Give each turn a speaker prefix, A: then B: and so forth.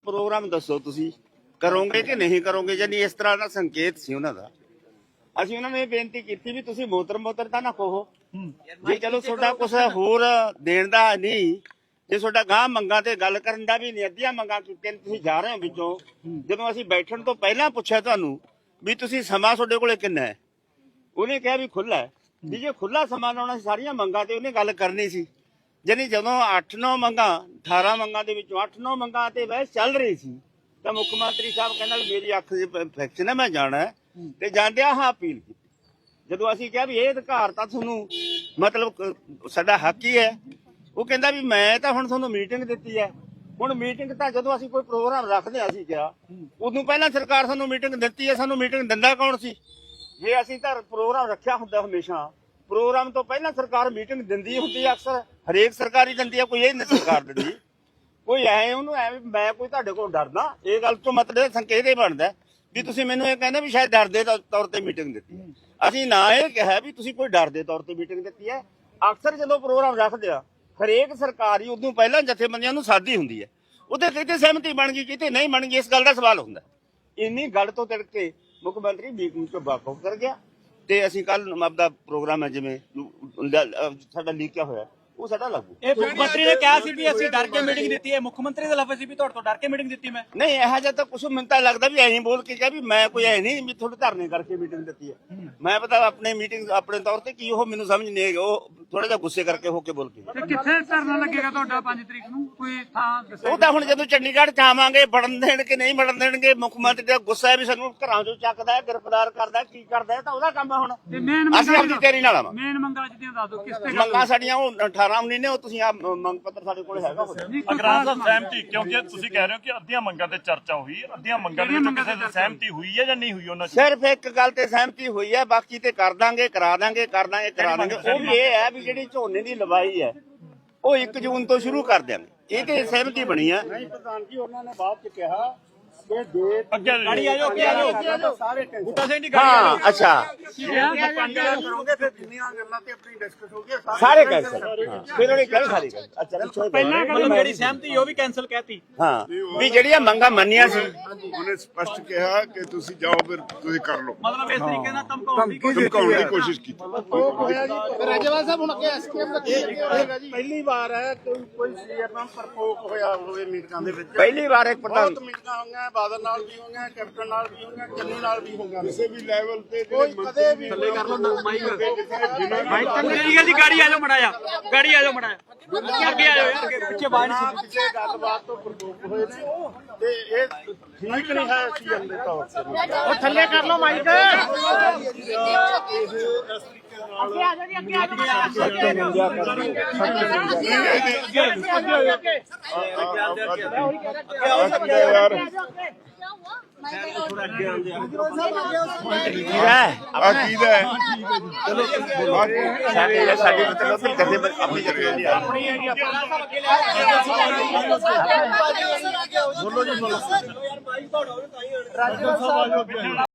A: Programme ਦੱਸੋ ਤੁਸੀਂ ਕਰੋਗੇ ਕਿ ਨਹੀਂ ਕਰੋਗੇ। ਜਾਨੀ ਇਸ ਤਰ੍ਹਾਂ ਦਾ ਸੰਕੇਤ ਸੀ ਉਹਨਾਂ ਦਾ। ਅਸੀਂ ਉਹਨਾਂ ਨੂੰ ਇਹ ਬੇਨਤੀ ਕੀਤੀ ਵੀ ਤੁਸੀਂ ਮੋਤਰ ਤਾਂ ਨਾ ਕਹੋ ਜੀ, ਚਲੋ ਤੁਹਾਡਾ ਕੁਛ ਹੋਰ ਦੇਣ ਦਾ ਨਹੀਂ, ਜੇ ਤੁਹਾਡਾ ਗਾਂ ਮੰਗਾਂ ਤੇ ਗੱਲ ਕਰਨ ਦਾ ਵੀ ਨਹੀਂ, ਅੱਧੀਆਂ ਮੰਗਾਂ ਕੀਤੀਆਂ ਤੁਸੀਂ ਜਾ ਰਹੇ ਹੋ ਵਿੱਚੋਂ। ਜਦੋਂ ਅਸੀਂ ਬੈਠਣ ਤੋਂ ਪਹਿਲਾਂ ਪੁੱਛਿਆ ਤੁਹਾਨੂੰ ਵੀ ਤੁਸੀਂ ਸਮਾਂ ਤੁਹਾਡੇ ਕੋਲੇ ਕਿੰਨਾ ਹੈ, ਉਹਨੇ ਕਿਹਾ ਵੀ ਖੁੱਲਾ ਹੈ। ਵੀ ਜੇ ਖੁੱਲਾ ਸਮਾਂ ਲਾਉਣਾ ਸੀ ਸਾਰੀਆਂ ਮੰਗਾਂ ਤੇ ਉਹਨੇ ਗੱਲ ਕਰਨੀ ਸੀ। ਜਾਨੀ ਜਦੋਂ 8-9 ਮੰਗਾਂ 18 ਮੰਗਾਂ ਦੇ ਵਿੱਚੋਂ 8-9 ਮੰਗਾਂ ਤੇ ਬਹਿਸ ਚੱਲ ਰਹੀ ਸੀ ਤਾਂ ਮੁੱਖ ਮੰਤਰੀ ਸਾਹਿਬ ਕਹਿੰਦਾ ਮੇਰੀ ਅੱਖ ਦੀ ਇਨਫੈਕਸ਼ਨ ਹੈ, ਮੈਂ ਜਾਣਾ ਤੇ ਜਾਂਦਿਆਂ ਹਾਂ ਅਪੀਲ ਕੀਤੀ। ਜਦੋਂ ਅਸੀਂ ਕਿਹਾ ਵੀ ਇਹ ਅਧਿਕਾਰ ਤਾਂ ਤੁਹਾਨੂੰ ਮਤਲਬ ਸਾਡਾ ਹੱਕ ਹੀ ਹੈ, ਉਹ ਕਹਿੰਦਾ ਵੀ ਮੈਂ ਤਾਂ ਹੁਣ ਤੁਹਾਨੂੰ ਮੀਟਿੰਗ ਦਿੱਤੀ ਹੈ। ਹੁਣ ਮੀਟਿੰਗ ਤਾਂ ਜਦੋਂ ਅਸੀਂ ਕੋਈ ਪ੍ਰੋਗਰਾਮ ਰੱਖਦੇ ਹਾਂ ਅਸੀਂ ਕਿਹਾ ਉਦੋਂ ਪਹਿਲਾਂ ਸਰਕਾਰ ਸਾਨੂੰ ਮੀਟਿੰਗ ਦਿੱਤੀ ਹੈ। ਸਾਨੂੰ ਮੀਟਿੰਗ ਦਿੰਦਾ ਕੌਣ ਸੀ? ਜੇ ਅਸੀਂ ਤਾਂ ਪ੍ਰੋਗਰਾਮ ਰੱਖਿਆ ਹੁੰਦਾ ਹਮੇਸ਼ਾ ਪ੍ਰੋਗਰਾਮ ਤੋਂ ਪਹਿਲਾਂ ਸਰਕਾਰ ਮੀਟਿੰਗ ਦਿੰਦੀ ਹੁੰਦੀ ਹੈ, ਅਕਸਰ ਹਰੇਕ ਸਰਕਾਰੀ ਦਿੰਦੀ ਹੈ, ਕੋਈ ਇਹ ਨਹੀਂ ਸਰਕਾਰ ਦਿੰਦੀ। ਕੋਈ ਐ ਉਹਨੂੰ ਐ ਮੈਂ ਕੋਈ ਤੁਹਾਡੇ ਕੋਲ ਡਰਦਾ, ਇਹ ਗੱਲ ਤੋਂ ਮਤਲਬ ਸੰਕੇਤ ਇਹ ਬਣਦਾ ਵੀ ਤੁਸੀਂ ਮੈਨੂੰ ਇਹ ਕਹਿੰਦੇ ਵੀ ਸ਼ਾਇਦ ਡਰ ਦੇ ਤੌਰ ਤੇ ਮੀਟਿੰਗ ਦਿੱਤੀ ਹੈ। ਅਸੀਂ ਨਾ ਇਹ ਕਿਹਾ ਵੀ ਤੁਸੀਂ ਕੋਈ ਡਰ ਦੇ ਤੌਰ ਤੇ ਮੀਟਿੰਗ ਦਿੱਤੀ ਹੈ। ਅਕਸਰ ਜਦੋਂ ਪ੍ਰੋਗਰਾਮ ਰੱਖਦੇ ਆ ਹਰੇਕ ਸਰਕਾਰੀ ਉਦੋਂ ਪਹਿਲਾਂ ਜਥੇਬੰਦੀਆਂ ਨੂੰ ਸਾਦੀ ਹੁੰਦੀ ਹੈ, ਉਹਦੇ ਕਿਤੇ ਸਹਿਮਤੀ ਬਣ ਗਈ ਕਿਤੇ ਨਹੀਂ ਬਣ ਗਈ, ਇਸ ਗੱਲ ਦਾ ਸਵਾਲ ਹੁੰਦਾ। ਇੰਨੀ ਗੱਲ ਤੋਂ ਤਿੜਕ ਕੇ ਮੁੱਖ ਮੰਤਰੀ ਮੀਟਿੰਗ ਤੋਂ ਵਾਕਫ ਕਰ ਗਿਆ ਤੇ ਅਸੀਂ ਕੱਲ ਆਪਦਾ ਪ੍ਰੋਗਰਾਮ ਹੈ ਜਿਵੇਂ ਸਾਡਾ ਲੀਕਿਆ ਹੋਇਆ ਉਹ ਸਾਡਾ ਲਾਗੂ।
B: ਇਹ ਮੁੱਖ ਮੰਤਰੀ ਨੇ ਕਿਹਾ ਸੀ ਵੀ ਅਸੀਂ ਡਰ ਕੇ ਮੀਟਿੰਗ ਦਿੱਤੀ ਹੈ, ਮੁੱਖ ਮੰਤਰੀ ਦਾ ਲਫ਼ਜ਼ ਸੀ ਵੀ ਤੁਹਾਡੇ ਤੋਂ ਡਰ ਕੇ ਮੀਟਿੰਗ ਦਿੱਤੀ ਮੈਂ
A: ਨਹੀਂ। ਇਹੋ ਜਿਹਾ ਤਾਂ ਕੁਛ ਮੈਨੂੰ ਤਾਂ ਲੱਗਦਾ ਵੀ ਐਂ ਬੋਲ ਕੇ ਕਿਹਾ ਵੀ ਮੈਂ ਕੋਈ ਐ ਨਹੀਂ ਵੀ ਤੁਹਾਡੇ ਧਰਨੇ ਕਰਕੇ ਮੀਟਿੰਗ ਦਿੱਤੀ ਹੈ। ਮੈਂ ਪਤਾ ਆਪਣੇ ਮੀਟਿੰਗ ਆਪਣੇ ਤੌਰ ਤੇ ਕੀ ਉਹ ਮੈਨੂੰ ਸਮਝ ਨਹੀਂ ਆਈ, ਉਹ ਥੋੜਾ ਜਿਹਾ ਗੁੱਸੇ ਕਰਕੇ ਹੋ ਕੇ ਬੋਲ ਕੇ।
C: ਕਿੱਥੇ ਧਰਨਾ ਲੱਗੇਗਾ ਤੁਹਾਡਾ 5 ਤਰੀਕ ਨੂੰ, ਕੋਈ ਥਾਂ ਦੱਸੋ?
A: ਉਹ ਤਾਂ ਹੁਣ ਜਦੋਂ ਚੰਡੀਗੜ੍ਹ ਚ ਆਵਾਂਗੇ ਵੜਨ ਦੇਣ ਕਿ ਨਹੀਂ ਵੜਨ ਦੇਣਗੇ। ਮੁੱਖ ਮੰਤਰੀ ਦਾ ਗੁੱਸਾ ਹੈ ਵੀ ਸਾਨੂੰ ਘਰਾਂ ਚੋਂ ਚੱਕਦਾ ਹੈ, ਗ੍ਰਿਫਤਾਰ ਕਰਦਾ, ਕੀ ਕਰਦਾ, ਤਾਂ ਉਹਦਾ ਕੰਮ ਹੈ। ਹੁਣ ਅਸੀਂ ਆਪਣੀ ਤੇਰੀ ਨਾਲ ਆਵਾਂਗੇ।
C: ਮੇਨ ਮੰਗਾਂ ਜਿਹਦੀਆਂ ਦੱਸ ਦਿਓ ਕਿਸ ਤੇ
A: ਮੰਗਾਂ ਸਾਡੀਆਂ ਉਹ 18-19 ਨੇ, ਉਹ ਤੁਸੀਂ ਆ ਮੰਗ ਪੱਤਰ ਸਾਡੇ ਕੋਲ ਹੈਗਾ।
D: ਅਗਰਾਂ ਦਾ ਸਹਿਮਤੀ, ਕਿਉਂਕਿ ਤੁਸੀਂ ਕਹਿ ਰਹੇ ਹੋ ਕਿ ਅੱਧੀਆਂ ਮੰਗਾਂ ਤੇ ਚਰਚਾ ਹੋਈ, ਅੱਧੀਆਂ ਮੰਗਾਂ ਦੇ ਵਿੱਚ ਕਿਸੇ ਦੀ ਸਹਿਮਤੀ ਹੋਈ ਹੈ ਜਾਂ ਨਹੀਂ ਹੋਈ? ਉਹਨਾਂ
A: ਸਿਰਫ ਇੱਕ ਗੱਲ ਤੇ ਸਹਿਮਤੀ ਹੋਈ ਹੈ, ਬਾਕੀ ਤੇ ਕਰ ਦਾਂਗੇ, ਕਰਾ ਦਾਂਗੇ, ਕਰ ਦਾਂਗੇ, ਕਰਾ ਦਾਂਗੇ। ਉਹ ਵੀ ਇਹ ਹੈ ਵੀ ਜਿਹੜੀ ਝੋਨੇ ਦੀ ਲਵਾਈ ਹੈ ਉਹ 1 ਜੂਨ ਤੋਂ ਸ਼ੁਰੂ ਕਰ ਦਿਆਂਗੇ, ਇਹ ਤੇ ਸਹਿਮਤੀ ਬਣੀ ਹੈ।
E: ਨਹੀਂ ਪ੍ਰਧਾਨ ਜੀ, ਉਹਨਾਂ ਨੇ ਬਾਅਦ ਚ ਕਿਹਾ ਕਿ ਜੇ
D: ਗਾੜੀ ਆ ਜਾਓ, ਅੱਗੇ ਆ ਜਾਓ
E: ਸਾਰੇ
B: ਬੂਟਾ ਸਿੰਘ ਦੀ
A: ਹਾਂ ਅੱਛਾ
E: ਕਰੋਗੇ ਫਿਰ ਜਿੰਨੀਆਂ ਗੱਲਾਂ ਤੇ ਆਪਣੀ ਡਿਸਕਸ ਹੋ ਗਈ
A: ਸਾਰੇ ਕੈਂਸਲ। ਫਿਰ ਉਹਨੇ ਕਿਹਾ ਸਾਰੀ ਅੱਛਾ
B: ਪਹਿਲਾਂ ਜਿਹੜੀ ਸਹਿਮਤੀ ਉਹ ਵੀ ਕੈਨਸਲ ਕਹਿਤੀ।
A: ਹਾਂ ਵੀ ਜਿਹੜੀਆਂ ਮੰਗਾਂ ਮੰਨੀਆਂ ਸੀ
F: ਉਹਨੇ ਸਪਸ਼ਟ ਕਿਹਾ ਕਿ ਤੁਸੀਂ ਜਾਓ, ਫਿਰ ਤੁਸੀਂ ਕਰ ਲਓ।
B: ਮਤਲਬ ਇਸ ਤਰੀਕੇ ਨਾਲ
F: ਧਮਕਾਉਣ ਦੀ ਕੋਸ਼ਿਸ਼ ਕੀਤੀ।
E: ਰਾਜੇਵਾਲ ਸਾਹਿਬ ਹੁਣ ਅੱਗੇ ਐਸਕੇਐਮ ਦਾ ਕੀ ਹੋਏਗਾ ਜੀ? ਪਹਿਲੀ ਵਾਰ ਹੈ ਕੋਈ ਸੀਐਮ ਨਾਲ ਪ੍ਰਕੋਪ ਹੋਇਆ ਹੋਵੇ ਮੀਟਿੰਗਾਂ ਦੇ ਵਿੱਚ।
A: ਪਹਿਲੀ ਵਾਰ ਇੱਕ ਪ੍ਰਧਾਨ
E: ਬਹੁਤ ਮੀਟਿੰਗਾਂ ਹੋਈਆਂ, ਬਾਦਲ ਨਾਲ ਵੀ ਹੋਈਆਂ, ਕੈਪਟਨ ਨਾਲ ਵੀ ਹੋਈਆਂ, ਚੰਨੀ ਨਾਲ ਵੀ ਹੋਈਆਂ।
F: ਕਿਸੇ ਵੀ ਲੈਵਲ ਤੇ
E: ਕੋਈ ਕਦੇ ਵੀ
B: ਥੱਲੇ ਕਰ ਲਓ ਮਾਈਕ ਜੀ, ਗਾੜੀ ਆ ਜਾਓ ਮੜਾਇਆ, ਗਾੜੀ ਆ ਜਾਓ ਮੜਾਇਆ, ਅੱਗੇ ਆ ਜਾਓ ਯਾਰ, ਪਿੱਛੇ ਬਾਹਰ ਨਹੀਂ ਸੁਣੋ।
E: ਕਿਸੇ ਗੱਲਬਾਤ ਤੋਂ ਪ੍ਰਕੋਪ ਹੋਏ ਨੇ ਤੇ ਇਹ ਠੀਕ ਨਹੀਂ ਹੈ ਸੀਐਮ ਦੇ ਤੌਰ ਤੇ। ਉਹ ਥੱਲੇ ਕਰ ਲਓ ਮਾਈਕ। ਅੱਗੇ ਆ ਜਾਓ ਜੀ, ਅੱਗੇ ਆ
F: ਯਾਰ
A: ਸਾਡੀ ਮਤਲਬ ਆਪਣੀ ਜਥੇਬੰਦੀ
E: ਬੋਲੋ ਜੀ, ਬੋਲੋ।